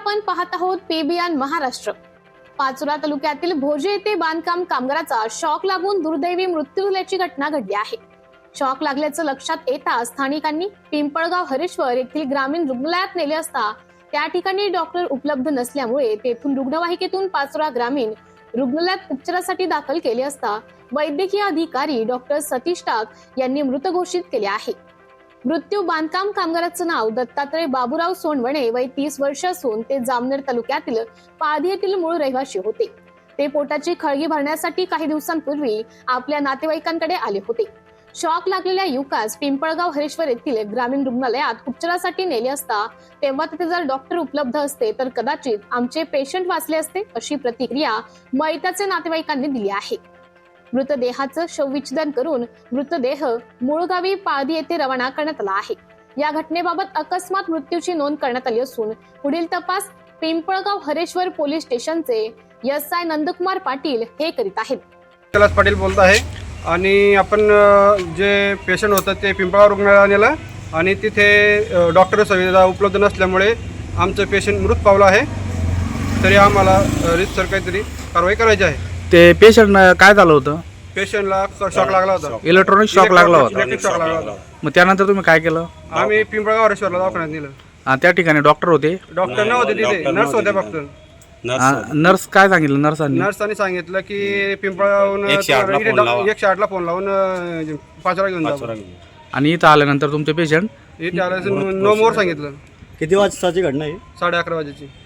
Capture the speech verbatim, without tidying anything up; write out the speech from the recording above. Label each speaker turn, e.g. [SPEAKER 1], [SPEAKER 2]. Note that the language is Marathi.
[SPEAKER 1] आपण पाहत आहोत पेबियान महाराष्ट्र। पाचोरा तालुक्यातील भोजे येथे बांधकाम कामगाराचा शॉक लागून दुर्दैवी मृत्यू झाल्याची घटना घडली आहे। शॉक लागल्याचं लक्षात येताच स्थानिकांनी पिंपळगाव हरेश्वर येथील ग्रामीण रुग्णालयात नेले असता त्या ठिकाणी डॉक्टर उपलब्ध नसल्यामुळे तेथून रुग्णवाहिकेतून पाचोरा ग्रामीण रुग्णालयात उपचारासाठी दाखल केले असता वैद्यकीय अधिकारी डॉक्टर सतीश टाक यांनी मृत घोषित केले आहे। मृत्यू बांधकाम कामगाराचं नाव दत्तात्रय बाबूराव सोनवणे, वय तीस वर्ष असून ते जामनेर तालुक्यातील पाळधी येथील मूळ रहिवासी होते। ते पोटाची खळगी भरण्यासाठी काही दिवसांपूर्वी आपल्या नातेवाईकांकडे आले होते। शॉक लागलेल्या युवकास पिंपळगाव हरेश्वर येथील ग्रामीण रुग्णालयात उपचारासाठी नेले असता तेव्हा तिथे जर डॉक्टर उपलब्ध असते तर कदाचित आमचे पेशंट वाचले असते, अशी प्रतिक्रिया मयताचे नातेवाईकांनी दिली आहे। मृतदेहाचं शवविच्छेदन करून मृतदेह मूळगावी पाळधी येथे रवाना करण्यात आला आहे। या घटनेबाबत अकस्मात मृत्यूची नोंद करण्यात आली असून पुढील तपास पिंपळगाव हरेश्वर पोलीस स्टेशनचे एस आय नंदकुमार पाटील हे करीत आहेत।
[SPEAKER 2] कैलास पाटील बोलत आहे आणि आपण जे पेशंट होतं ते पिंपळगाव रुग्णालयाला नेलं आणि तिथे डॉक्टर सुविधा उपलब्ध नसल्यामुळे आमचं पेशंट मृत पावलं आहे। तरी आम्हाला रीतसर काहीतरी कारवाई करायची आहे।
[SPEAKER 3] ते पेशंट काय झालं होतं?
[SPEAKER 2] पेशंटला शॉक लागला होता,
[SPEAKER 3] इलेक्ट्रॉनिक शॉक लागला होता।
[SPEAKER 2] इलेक्ट्रिक शॉक लागला होता।
[SPEAKER 3] मग त्यानंतर तुम्ही काय केलं?
[SPEAKER 2] आम्ही पिंपळगाव हरेश्वरला दवाखान्यात नेलं।
[SPEAKER 3] हा, त्या ठिकाणी डॉक्टर होते?
[SPEAKER 2] डॉक्टर नव्हते तिथे, नर्स होत्या फक्त।
[SPEAKER 3] नर्स काय सांगितलं? नर्सांनी
[SPEAKER 2] नर्सांनी सांगितलं की पिंपळगावहून एकशे आठला फोन लावून पाचोरा घेऊन जा।
[SPEAKER 3] आणि इथं आल्यानंतर तुमचे पेशंट
[SPEAKER 2] इथे आल्याचं नो मोर सांगितलं।
[SPEAKER 4] किती वाजताची घटना आहे?
[SPEAKER 2] साडे अकरा वाजेची।